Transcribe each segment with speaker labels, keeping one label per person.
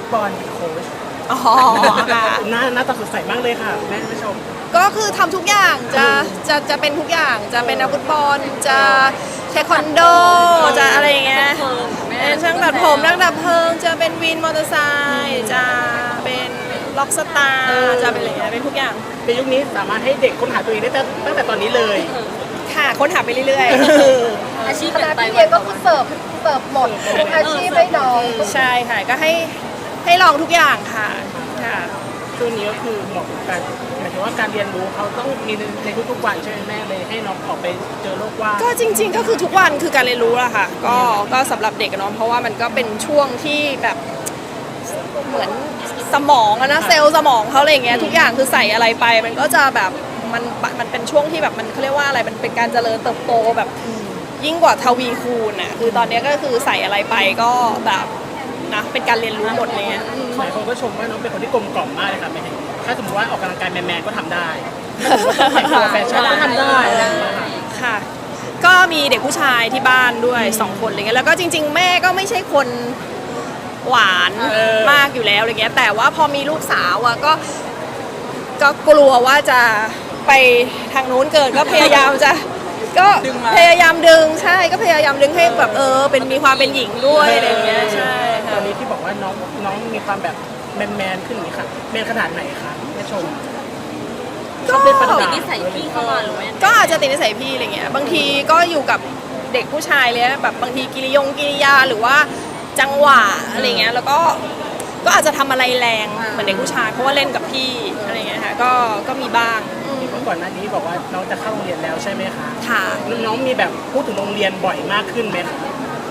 Speaker 1: บอลเป็นโค้ช
Speaker 2: อ๋อค่ะ
Speaker 1: หน้าตาสดใสมากเลยค่ะแม่ผู้ชม
Speaker 2: ก็คือทำทุกอย่างจะเป็นทุกอย่างจะเป็นนักฟุตบอลจะเทควันโดจะอะไรอย่างเงี้ยเป็นช่างตัดผมนักดับเพลิงจะเป็นวินมอเตอร์ไซค์จะเป็นล็อกสตาร์จะเป็นอะไรเงี้ยเป็นทุกอย่าง
Speaker 1: ในยุคนี้สามารถให้เด็กค้นหาตัวเองได้ตั้งแต่ตอนนี้เลย
Speaker 2: ค่ะค้นหาไปเรื่อย
Speaker 3: ๆอาชีพแต่พี่เรียนก็คือเสิร์ฟหมดทุกอาชีพให้น้อง
Speaker 2: ใช่ค่ะก็ให้ลองทุกอย่างค่ะ
Speaker 1: ช่วงนี้ก็คือเหมาะกับการหมายถึงว่าการเรียนรู้เขาต้องมีในทุกๆวันใช่ไหมแม่เลยให้น้องออกไปเจอโลกว่าง
Speaker 2: ก็จริงๆก็คือทุกวันคือการเรียนรู้ละค่ะก็สำหรับเด็กเนาะเพราะว่ามันก็เป็นช่วงที่แบบเหมือนสมองนะเซลล์สมองเขาอะไรอย่างเงี้ยทุกอย่างคือใส่อะไรไปมันก็จะแบบมันเป็นช่วงที่แบบมันเขาเรียกว่าอะไรมันเป็นการเจริญเติบโตแบบยิ่งกว่าทวีคูณน่ะคือตอนนี้ก็คือใส่อะไรไปก็แบบนะเป็นการเรียนรู้หมดเลย
Speaker 1: หลายคนก็ชมว่าน้องเป็นคนที่กลมกล่อมมากเลยค่ะแม่ถ้าสมมติว่าออกกำลังกายแมนๆก็ทำได้แต่งตัวแฟชั่นก็ทำได้
Speaker 2: ค่ะก็มีเด็กผู้ชายที่บ้านด้วย2 คนอะไรเงี้ยแล้วก็จริงๆแม่ก็ไม่ใช่คนหวานมากอยู่แล้วอะไรเงี้ยแต่ว่าพอมีลูกสาวอะก็กลัวว่าจะไปทางนู้นเกินก็พยายามจะก็พยายามดึงใช่ก็พยายามดึงให้แบบเป็นมีความเป็นหญิงด้วยอะไรเงี้ยใช่
Speaker 1: ตอนนี้ที่บอกว่าน้องมีความแบบแมนขึ้นนี่ค่ะแมนขนาดไหนคะแม่ชม
Speaker 3: ก็ติดนิสัยพี่เข้ามาหรือว่า
Speaker 2: ก็อาจจะติดนิสัยพี่อะไรเงี้ยบางทีก็อยู่กับเด็กผู้ชายเลยแบบบางทีกิริยาหรือว่าจังหวะอะไรเงี้ยแล้วก็อาจจะทำอะไรแรงเหมือนเด็กผู้ชายเพราะว่าเล่นกับพี่อะไรเงี้ยค่ะก็มีบ้าง
Speaker 1: เมื่อก่อนหน้านี้บอกว่าน้องจะเข้าโรงเรียนแล้วใช่ไหมคะ
Speaker 2: ค่ะ
Speaker 1: น้องมีแบบพูดถึงโรงเรียนบ่อยมากขึ้นไหมคะ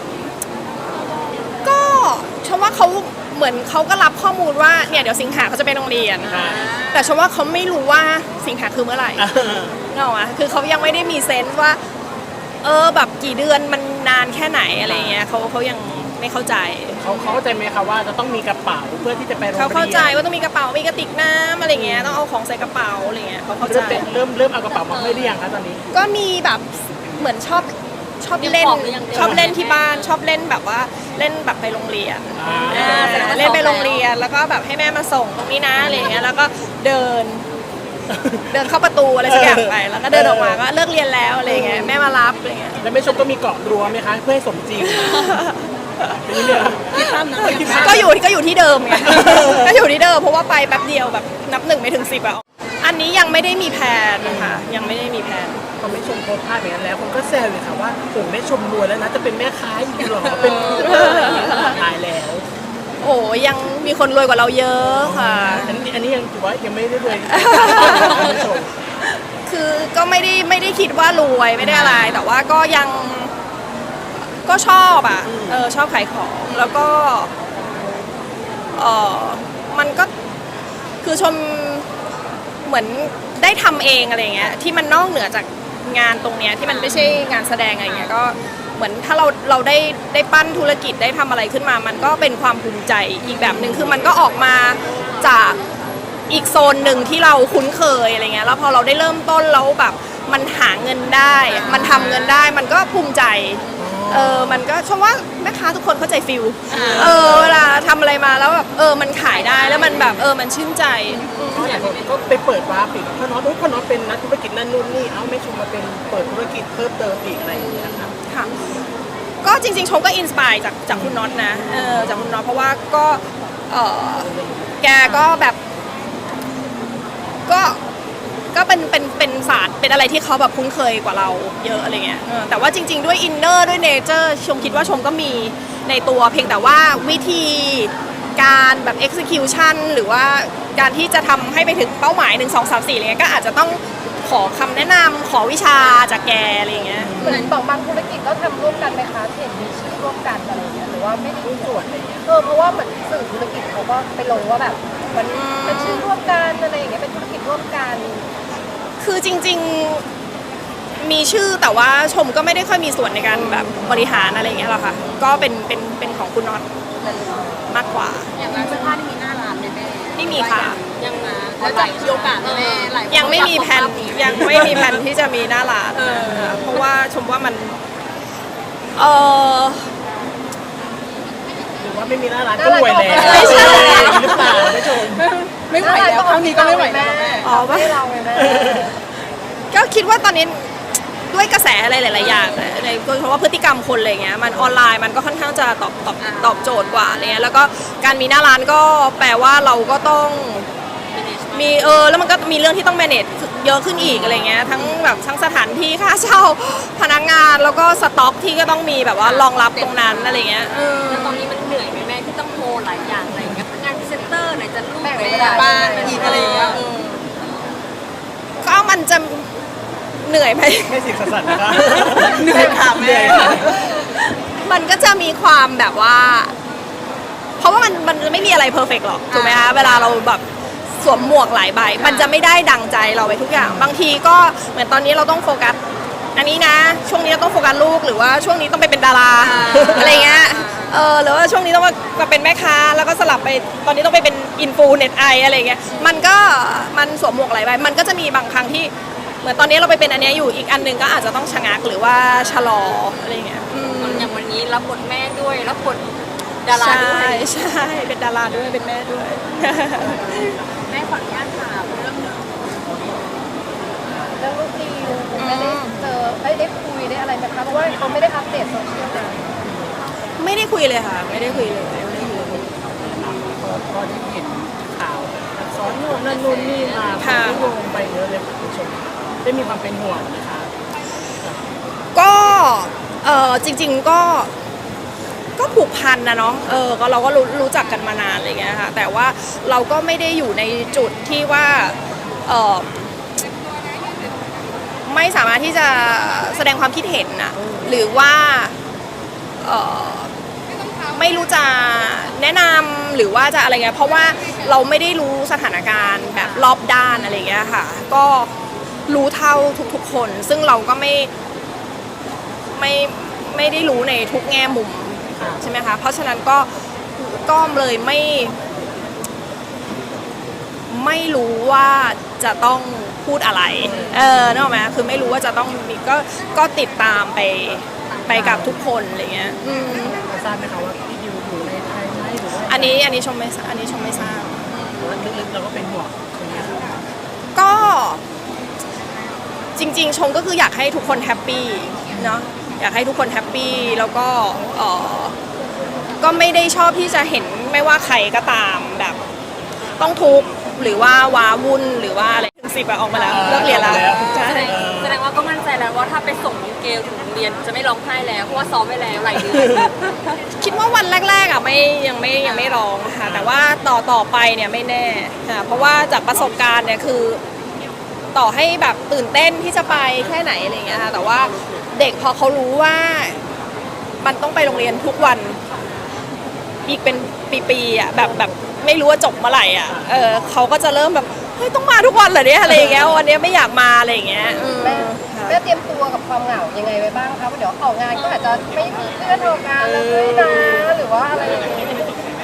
Speaker 2: ก็ชมว่าเขาเหมือนเขาก็รับข้อมูลว่าเนี่ยเดี๋ยวสิงหาเขาจะไปโรงเรียนแต่ชมว่าเขาไม่รู้ว่าสิงหาคือเมื่อไหร่เนอะวะคือเขายังไม่ได้มีเซนส์ว่าแบบกี่เดือนมันนานแค่ไหนอะไรเงี้ยเขายังไม่เข้าใจ
Speaker 1: เขาเข้าใจไหมคะว่าจะต้องมีกระเป๋าเพื่อที่จะไปโรงเรียน
Speaker 2: เขาเข้าใจว่าต้องมีกระเป๋ามีกระติกน้ำอะไรเงี้ยต้องเอาของใส่กระเป๋าอะไรเงี้ยเขาเข้าใจ
Speaker 1: เริ่มเอากระเป๋ามาให้หรือยังคะตอนนี้
Speaker 2: ก็มีแบบเหมือนชอบเล่นที่บ้านชอบเล่นแบบว่าเล่นแบบไปโรงเรียนเล่นไปโรงเรียนแล้วก็แบบให้แม่มาส่งตรงนี้นะอะไรเงี้ยแล้วก็เดินเข้าประตูอะไรสักอย่างไปแล้วก็เดินออกมาก็เลิกเรียนแล้วอะไรเงี้ยแม่มารับอะไรเงี้ย
Speaker 1: แล้วแม่ชมก็มีเกาะรั้วไหมคะเพื่อให้สมจริง
Speaker 2: ก็อยู่ที่เดิมไงก็อยู่ที่เดิมเพราะว่าไปแป๊บเดียวแบบนับ1ไม่ถึง10อ่ะอันนี้ยังไม่ได้มีแผนนะคะยังไม่ได้มีแผน
Speaker 1: พอแม่ชมโพสต์ภาพอย่างนั้นแล้วคนก็แซวเลยค่ะว่าโอ้แม่ชมรวยแล้วนะจะเป็นแม่ค้าอยู่หรอเป็นอะไรอย่างเงี้ยตายแล้ว
Speaker 2: โอ้ยังมีคนรวยกว่าเราเยอะค่ะ
Speaker 1: อันนี้ยังถือว่ายังไม่ได้รวย
Speaker 2: คือก็ไม่ได้คิดว่ารวยไม่ได้อะไรแต่ว่าก็ยังก็ชอบอ่ะชอบขายของแล้วก็มันก็คือชมเหมือนได้ทำเองอะไรเงี้ยที่มันนอกเหนือจากงานตรงเนี้ยที่มันไม่ใช่งานแสดงอะไรเงี้ยก็เหมือนถ้าเราได้ปั้นธุรกิจได้ทำอะไรขึ้นมามันก็เป็นความภูมิใจอีกแบบหนึ่งคือมันก็ออกมาจากอีกโซนหนึ่งที่เราคุ้นเคยอะไรเงี้ยแล้วพอเราได้เริ่มต้นแล้วแบบมันหาเงินได้มันทำเงินได้มันก็ภูมิใจมันก็ชมว่าแม่ค้าทุกคนเข้าใจฟิลเวลาทำอะไรมาแล้วแบบมันขายได้แล้วมันแบบมันชื่นใจ
Speaker 1: ก็ไปเปิดวาร์ปอีกพ่อน้องเป็นนักธุรกิจนั่นนู่นนี่ไม่ชมมาเป็นเปิดธุรกิจเพิ่มเติมอีกอะไรอย่างเงี้ยค่ะ
Speaker 2: ก็จริงๆชมก็อินสปายจากคุณน็อตนะจากคุณน็อตเพราะว่าก็แกก็แบบก็เป็นศาสตร์เป็นอะไรที่เขาแบบคุ้นเคยกว่าเราเยอะอะไรเงี้ยแต่ว่าจริงๆด้วยอินเนอร์ด้วยเนเจอร์ชมคิดว่าชมก็มีในตัวเพียงแต่ว่าวิธีการแบบ execution หรือว่าการที่จะทำให้ไปถึงเป้าหมาย1 2 3 4อะไรเงี้ยก็อาจจะต้องขอคำแนะนำขอวิชาจากแกอะไรเงี้ย
Speaker 3: เหมือนบางธุรกิจก็ทำร่วมกันไหมคะเห็นมีชื่อร่วมกันอะไรเงี้ยหรือว่าไม่ได้มีส่วนอะไรเงี้ยเพราะว่าเหมือนสื่อธุรกิจเขาก็ไปลงว่าแบบมันเป็นชื่อร่วมกันอะไรอย่างเงี้ยเป็นธุรกิจร่วมกัน
Speaker 2: คือจริงๆมีชื่อแต่ว่าชมก็ไม่ได้ค่อยมีส่วนในการแบบบริหารอะไรอย่างเงี้ยหรอกค่ะก็เป็นของคุณน็อตมากกว่า
Speaker 3: อย่างร้านเสื้อผ้าที่มีหน้าร้านแม่
Speaker 2: ไม่มีค่ะ
Speaker 3: ยังมาแล้วจะมีโอกาสแม่
Speaker 2: ยังไม่มีแผนที่จะมีหน้าร้านเพราะว่าชมว่ามัน
Speaker 1: ว่าไม่มีหน้าร้านก็รวยแล้ว
Speaker 2: ไม่ใช่
Speaker 1: หรือเปล่าไม่ชม
Speaker 2: ไม่ไหวแล้วครั้งนี้ก็ไม่ไหวแล้ว อ๋อ
Speaker 3: ไม่เราไงแม่
Speaker 2: ก็คิดว่าตอนนี้ด้วยกระแสอะไรหลาย ๆ อย่างนะในโดยเฉพาะพฤติกรรมคนอะไรเงี้ยมันออนไลน์มันก็ค่อนข้างจะตอบโจทย์กว่าอะไรเงี้ยแล้วก็การมีหน้าร้านก็แปลว่าเราก็ต้องมีแล้วมันก็มีเรื่องที่ต้อง manage เยอะขึ้นอีกอะไรเงี้ยทั้งแบบทั้งสถานที่ค่าเช่าพนักงานแล้วก็สต็อกที่ก็ต้องมีแบบว่ารองรับตรงนั้นอะไรเงี้ย
Speaker 4: แล้วตอนนี้มันเหนื่อยไหมแม่ที่ต้องโมหลายอย่างอะไรอย่างเงี้ยงานพรีเซนเตอร์ไหนจะลูก
Speaker 3: แบ่ง
Speaker 4: ไหน
Speaker 3: เว
Speaker 4: จะ
Speaker 3: ลา
Speaker 4: บ้านอีกอะไรอย่างเงี้ย
Speaker 2: ก็มันจะเหนื่อยไหม
Speaker 1: ไม่สิสันนะคะ
Speaker 2: เหนื่อยค่ะแม่ มันก็จะมีความแบบว่า เพราะว่ามันไม่มีอะไรเพอร์เฟกต์หรอกถูกไหมคะเวลาเราแบบสวมหมวกหลายใบมันจะไม่ได้ดังใจเราไปทุกอย่างบางทีก็เหมือนตอนนี้เราต้องโฟกัสอันนี้นะช่วงนี้เราต้องโฟกัสลูกหรือว่าช่วงนี้ต้องไปเป็นดาราอะไรเงี้ยหรือว่าช่วงนี้ต้องมาเป็นแม่ค้าแล้วก็สลับไปตอนนี้ต้องไปเป็นอินฟูเน็ตไออะไรเงี้ยมันสวมหมวกหลายใบมันก็จะมีบางครั้งที่เหมือนตอนนี้เราไปเป็นอันเนี้ยอยู่อีกอันหนึ่งก็อาจจะต้องชะงักหรือว่าชะลออะไรเงี้ย
Speaker 4: อย่างวันนี้รับบทแม่ด้วยรับบทดารา
Speaker 2: ใช่
Speaker 4: ด้วย
Speaker 2: ใช่เป็นดาราด้วยเป็นแม่ด้วย
Speaker 4: แม่ขออนุญาตถามเรื่อง
Speaker 3: เรื่องลูกดิวคุณแม่ได้เจอได้คุยได้อะไรไหมคะเพราะว่าเขาไม่ได้อัปเดตโซเชียลนะ
Speaker 2: ไม่ได้คุยเลยค่ะ ไม่ได้คุยเลยไม่ได้คุยเลย
Speaker 1: พอที่เห็นข่าวซ้อนโน่นนั่นนู่นนี่มาคนก็โยงไปเยอะเลยคุณผู้ชมได้มีความเป็นห่วงนะคะ
Speaker 2: ก็จริงๆก็ผูกพันนะเนาะก็เราก็รู้จักกันมานานอะไรเงี้ยค่ะแต่ว่าเราก็ไม่ได้อยู่ในจุดที่ว่าไม่สามารถที่จะแสดงความคิดเห็นนะหรือว่าไม่รู้จะแนะนำหรือว่าจะอะไรเงี้ยเพราะว่าเราไม่ได้รู้สถานการณ์แบบรอบด้านอะไรเงี้ยค่ะก็รู้เท่าทุกๆคนซึ่งเราก็ไม่ได้รู้ในทุกแง่มุมใช่ไหมคะเพราะฉะนั้นก็เลยไม่รู้ว่าจะต้องพูดอะไรนึกออกไหมคือไม่รู้ว่าจะต้องมีก็ติดตามไปกับทุกคนอะไรเงี้ย
Speaker 1: ทราบไหมคะว่าพี่ดิวอยู่ในไทยไหมหรือว่า
Speaker 2: อันนี้ชมไม่ทราบ
Speaker 1: หรือว่าลึกๆเราก็เป็นห่วงตรงนี้
Speaker 2: ก็จริงๆชมก็คืออยากให้ทุกคนแฮปปี้เนาะอยากให้ทุกคนแฮปปี้แล้วก็ไม่ได้ชอบที่จะเห็นไม่ว่าใครก็ตามแบบต้องทุกข์หรือว่าว้าวุ่นหรือว่าอะไรถึง10ออกมาแล้วเลิกเรียนแล้วใช่
Speaker 4: แสดงว่าก็มั่นใจแล้วว่าถ้าไปส่งเกลถึงโรงเรียนจะไม่ร้องไห้แล้วเพราะว่าซ้อมไว้แล้วหลายเดือน
Speaker 2: คิดว่าวันแรกๆอ่ะยังไม่ร้องค่ะแต่ว่าต่อไปเนี่ยไม่แน่ค่ะเพราะว่าจากประสบการณ์เนี่ยคือต่อให้แบบตื่นเต้นที่จะไปแค่ไหนอะไรเงี้ยค่ะแต่ว่าเด็กพอเขารู้ว่ามันต้องไปโรงเรียนทุกวันอีกเป็นปีๆอ่ะแบบไม่รู้ว่าจบเมื่อไหร่อ่ะเขาก็จะเริ่มแบบเฮ้ยต้องมาทุกวันเหรอเนี่ยอะไรอย่างเงี้ยวันนี้ไม่อยากมาอะไรอย่างเงี้ย
Speaker 3: แม่เตรียมตัวกับความเหงายังไงไว้บ้างคะเดี๋ยวออกงานก็อาจจะไม่มีเพื่อนออกงานเลยนะหรือว่าอะไรอย่างเงี้ย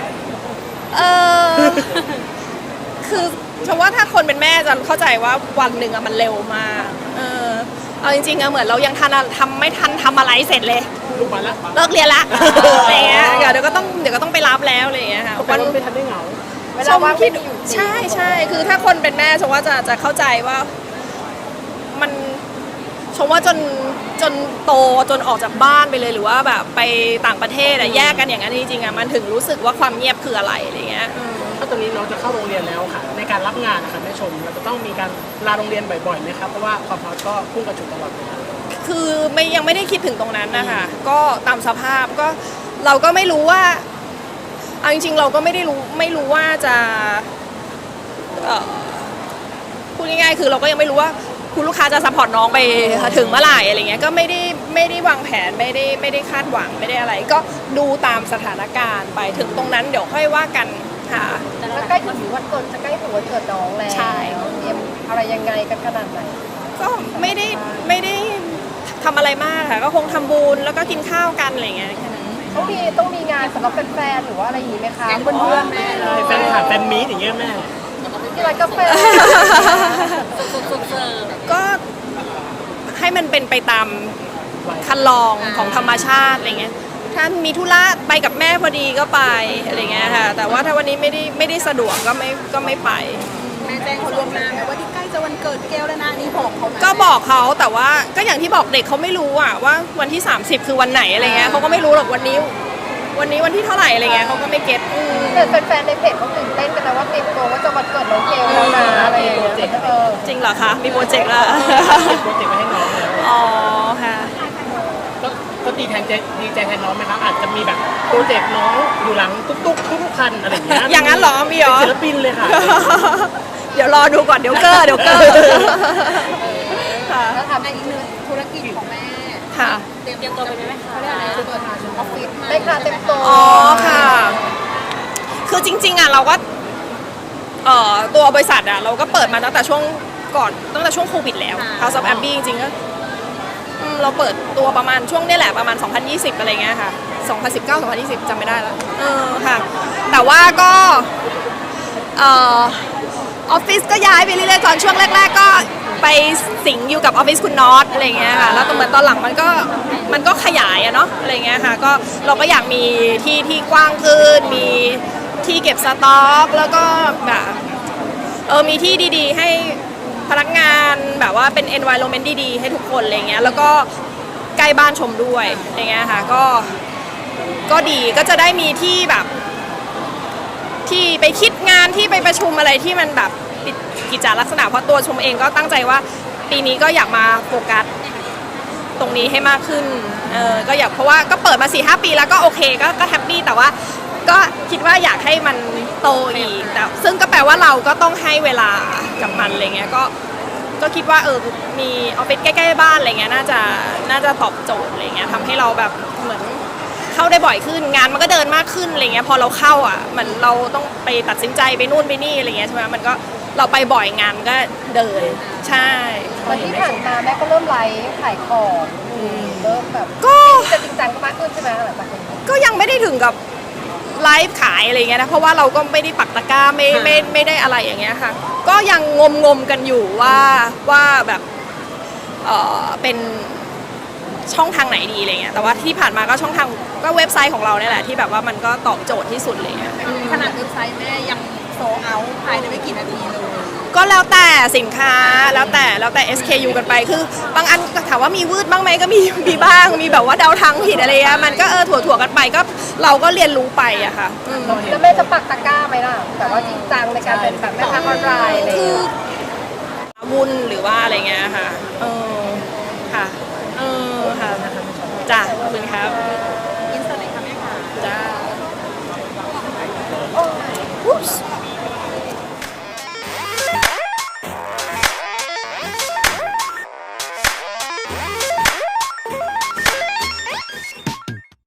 Speaker 2: คือฉันว่าถ้าคนเป็นแม่จะเข้าใจว่าวันหนึ่งอะมันเร็วมากเอาจริงๆอะเหมือนเรายังไม่ทันทำอะไรเสร็จเลย
Speaker 1: ลูกมาแล้ว
Speaker 2: เลิกเรียนละอะไรเงี้ยเดี๋ยวก็ต้องไปรับแล้วอะไรเงี้ยค่ะ
Speaker 1: วันไม่ทันได้เหงา
Speaker 3: เวลาว่างไม่มีอยู่
Speaker 2: ใช่คือถ้าคนเป็นแม่ชมว่าจะเข้าใจว่ามันชมว่าจนโตจนออกจากบ้านไปเลยหรือว่าแบบไปต่างประเทศอะแยกกันอย่างนั้นจริงๆอะมันถึงรู้สึกว่าความเงียบคืออะไรอะไรเงี้ย
Speaker 1: ถ้าตรงนี้น้องจะเข้าโรงเรียนแล้วค่ะในการรับงานนะคะแม่ชมเราจะต้องมีการลาโรงเรียนบ่อยๆไหมครับเพราะว่าความฮอตก็พุ่งกระฉูดตลอดเวลา
Speaker 2: คือยังไม่ได้คิดถึงตรงนั้นนะคะก็ตามสภาพก็เราก็ไม่รู้ว่าเอาจริงๆเราก็ไม่รู้ว่าจะพูดง่ายๆคือเราก็ยังไม่รู้ว่าคุณลูกค้าจะซัพพอร์ตน้องไปถึงเมื่อไหร่อะไรเงี้ยก็ไม่ได้วางแผนไม่ได้คาดหวังไม่ได้อะไร ก็ดูตามสถานการณ์ไปถึงตรงนั้นเดี๋ยวค่อยว่ากันค่ะ
Speaker 3: แล้วใกล้ถึงวันเกิดจะใกล้ถึงวันเกิดน้องแล้ว
Speaker 2: ใช่
Speaker 3: เตรียมอะไรยังไงกันขนาดไหน
Speaker 2: ก็ไม่ได้ทำอะไรมากค่ะก็คงทำบุญแล้วก็กินข้าวกันอะไรเงี้ยแค่นั้น
Speaker 3: ต้องมีงานสำหรับแฟนๆหรือว่าอะไรอย่างนี้ไหมคะ
Speaker 4: เพื่อนๆแม่
Speaker 1: แฟนคลับแฟนมีตอย่างเงี้ยแม่
Speaker 3: ที่ร้านกาแฟ
Speaker 4: สุดเสิร์ฟ
Speaker 2: ก็ให้มันเป็นไปตามคันลองของธรรมชาติอะไรเงี้ยถ้ามีธุระไปกับแม่พอดีก็ไปอะไรเงี้ยค่ะแต่ว่าถ้าวันนี้ไม่ได้สะดวกก็ไม่ไป
Speaker 5: แม่แจ้งเขาล่วงหน้าไหมว่าที่ใกล้จะวันเกิดแก้วแล้วนะนี่บอกเขาไหม
Speaker 2: ก็บอกเขาแต่ว่าก็อย่างที่บอกเด็กเขาไม่รู้อะว่าวันที่ 30 คือวันไหนอะไรเงี้ยเขาก็ไม่รู้หรอกวันนี้วันที่เท่าไหร่อะไรเงี้ยเขาก็ไม่เก็ต
Speaker 3: แต่แฟนๆในเพจเขาตื่นเต้นกันนะว่าเตรียมตัวว่าจะวันเกิดน้องเกลแล้วนะอะไรอย่างเงี้ย
Speaker 2: จริงเหรอคะมีโปรเจกต์ละ
Speaker 1: โปรเจกต์ไว้ให้น้องแล้ว
Speaker 2: อ๋อค่ะ
Speaker 1: ก็ดีใจแทนน้องไหมครับอาจจะมีแบบโปรเจกต์น้องอยู่หลังทุกคันอะไรอย่างเงี้ย
Speaker 2: อย่างนั้นเหรอมีเหรอ
Speaker 1: เป็นศิลปินเลยค่ะ
Speaker 2: เดี๋ยวรอดูก่อนเดี๋ยวเกอร์ค่ะ
Speaker 5: แล้วทำอีกหนึ่งธุรกิจของแม่
Speaker 2: ค่ะ
Speaker 4: เตรียมตัวไปไหมคะ
Speaker 5: เขาเรียกอะไรเปิดออฟฟิศใหม่
Speaker 3: ได้ค่ะเต็มตัว
Speaker 2: อ๋อค่ะ คือจริงๆอ่ะเราก็ตัวบริษัทอ่ะเราก็เปิดมาตั้งแต่ช่วงโควิดแล้ว House of Abbey จริงๆก็เราเปิดตัวประมาณช่วงนี้แหละประมาณ 2020 อะไรเงี้ยค่ะ 2019 2020จำไม่ได้แล้วค่ะ แต่ว่าก็ออฟฟิศก็ย้ายไปเรื่อยๆตอนช่วงแรกๆก็ไปสิงอยู่กับออฟฟิศคุณน็อตอะไรเงี้ยค่ะแล้วเหมือนตอนหลังมันก็ขยายอะเนาะอะไรเงี้ยค่ะก็เราก็อยากมีที่กว้างขึ้นมีที่เก็บสต็อกแล้วก็แบบมีที่ดีๆให้พนักงานแบบว่าเป็น environment ดีๆให้ทุกคนอะไรเงี้ยแล้วก็ใกล้บ้านชมด้วยอะไรเงี้ยค่ะก็ดีก็จะได้มีที่แบบที่ไปคิดงานที่ไปประชุมอะไรที่มันแบบกิจลักษณะเพราะตัวชมเองก็ตั้งใจว่าปีนี้ก็อยากมาโฟกัสตรงนี้ให้มากขึ้นก็อยากเพราะว่าก็เปิดมา 4-5 ปีแล้วก็โอเคก็แฮปปี้แต่ว่าก็คิดว่าอยากให้มันโตอีกแต่ซึ่งก็แปลว่าเราก็ต้องให้เวลากับมันอะไรเงี้ยก็คิดว่ามีออฟฟิศใกล้ๆบ้านอะไรเงี้ยน่าจะตอบโจทย์อะไรเงี้ยทำให้เราแบบเหมือนเข้าได้บ่อยขึ้นงานมันก็เดินมากขึ้นอะไรเงี้ยพอเราเข้าอ่ะเหมือนเราต้องไปตัดสินใจไปนู่นไปนี่อะไรเงี้ยใช่ไหมมันก็เราไปบ่อยงานก็เดินใช่
Speaker 3: วันที่ผ่านมาแม่ก็เริ่มไลฟ์ขายของเริ่มแบบ
Speaker 2: ก็
Speaker 3: จะจริงจังมากขึ้นใช่ไหมหลังจากนี้ ก็
Speaker 2: ยังไม่ได้ถึงกับไลฟ์ขายอะไรเงี้ยนะเพราะว่าเราก็ไม่ได้ปักตะกร้าไม่ได้อะไรอย่างเงี้ยค่ะก็ยังงมกันอยู่ว่าแบบเป็นช่องทางไหนดีอะไรเงี้ยแต่ว่าที่ผ่านมาก็ช่องทางก็เว็บไซต์ของเราเนี่ยแหละที่แบบว่ามันก็ตอบโจทย์ที่สุดเลย
Speaker 5: ขนาดเว็บไซต์แม่ยังโซเอาภายในไม่กี่นาทีเลย
Speaker 2: ก็แล้วแต่สินค้าแล้วแต่ SKU กันไปคือบางอันถามว่ามีวืดบ้างไหมก็มีบ้างมีแบบว่าเดาทางผิดอะไรเงี้ยมันก็ถั่วกันไปก็เราก็เรียนรู้ไปอะค่ะ
Speaker 3: แล้วแม่จะปักตะกร้าไหมล่ะแต่ว่าจริงจังในการเป็นแบบแม่ค้าออนไลน์อะไรอย่างเงี้ย
Speaker 2: วุ่นหรือว่าอะไรเงี้ยค่ะ